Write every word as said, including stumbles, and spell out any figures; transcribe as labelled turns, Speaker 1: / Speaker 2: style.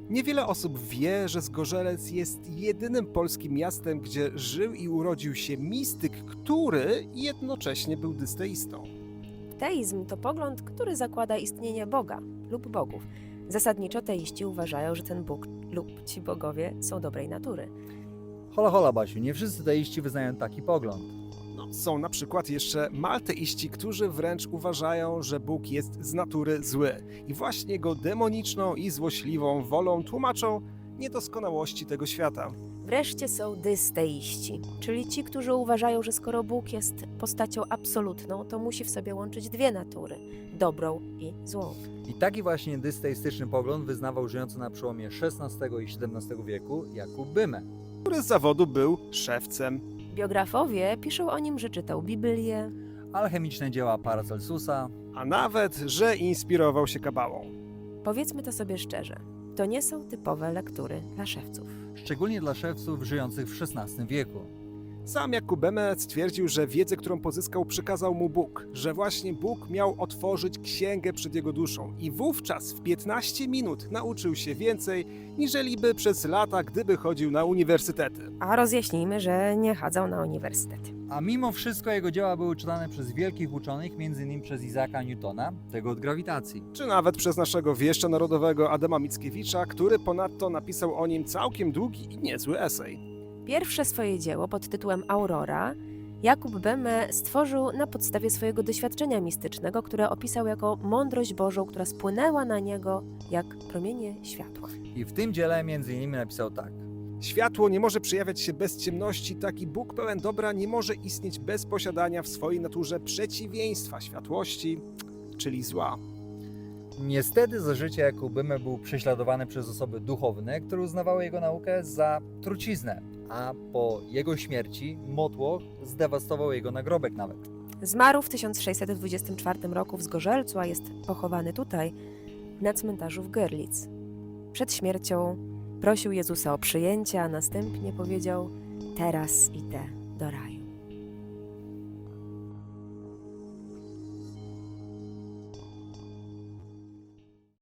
Speaker 1: Niewiele osób wie, że Zgorzelec jest jedynym polskim miastem, gdzie żył i urodził się mistyk, który jednocześnie był dysteistą.
Speaker 2: Teizm to pogląd, który zakłada istnienie Boga lub bogów. Zasadniczo teiści uważają, że ten Bóg lub ci bogowie są dobrej natury.
Speaker 3: Hola, hola, Basiu, nie wszyscy teiści wyznają taki pogląd.
Speaker 1: No, są na przykład jeszcze malteiści, którzy wręcz uważają, że Bóg jest z natury zły i właśnie jego demoniczną i złośliwą wolą tłumaczą niedoskonałości tego świata.
Speaker 2: Wreszcie są dysteiści, czyli ci, którzy uważają, że skoro Bóg jest postacią absolutną, to musi w sobie łączyć dwie natury, dobrą i złą.
Speaker 3: I taki właśnie dysteistyczny pogląd wyznawał żyjący na przełomie szesnastego i siedemnastego wieku Jakub Bymę.
Speaker 1: Który z zawodu był szewcem.
Speaker 2: Biografowie piszą o nim, że czytał Biblię.
Speaker 3: Alchemiczne dzieła Paracelsusa.
Speaker 1: A nawet, że inspirował się kabałą.
Speaker 2: Powiedzmy to sobie szczerze, to nie są typowe lektury dla szewców.
Speaker 3: Szczególnie dla szewców żyjących w szesnastym wieku.
Speaker 1: Sam Jakub Beme stwierdził, że wiedzę, którą pozyskał, przekazał mu Bóg, że właśnie Bóg miał otworzyć księgę przed jego duszą i wówczas w piętnaście minut nauczył się więcej, niżeli by przez lata, gdyby chodził na uniwersytety.
Speaker 2: A rozjaśnijmy, że nie chodzą na uniwersytety.
Speaker 3: A mimo wszystko jego dzieła były czytane przez wielkich uczonych, m.in. przez Isaaca Newtona, tego od grawitacji.
Speaker 1: Czy nawet przez naszego wieszcza narodowego Adama Mickiewicza, który ponadto napisał o nim całkiem długi i niezły esej.
Speaker 2: Pierwsze swoje dzieło pod tytułem Aurora Jakub Beme stworzył na podstawie swojego doświadczenia mistycznego, które opisał jako mądrość Bożą, która spłynęła na niego jak promienie światła.
Speaker 3: I w tym dziele m.in. napisał tak.
Speaker 1: Światło nie może przejawiać się bez ciemności, tak i Bóg pełen dobra nie może istnieć bez posiadania w swojej naturze przeciwieństwa światłości, czyli zła.
Speaker 3: Niestety za życia Jakub Bymę był prześladowany przez osoby duchowne, które uznawały jego naukę za truciznę, a po jego śmierci motłoch zdewastował jego nagrobek nawet.
Speaker 2: Zmarł w tysiąc sześćset dwudziestym czwartym roku w Zgorzelcu, a jest pochowany tutaj, na cmentarzu w Görlitz. Przed śmiercią prosił Jezusa o przyjęcie, a następnie powiedział: teraz idę do raju.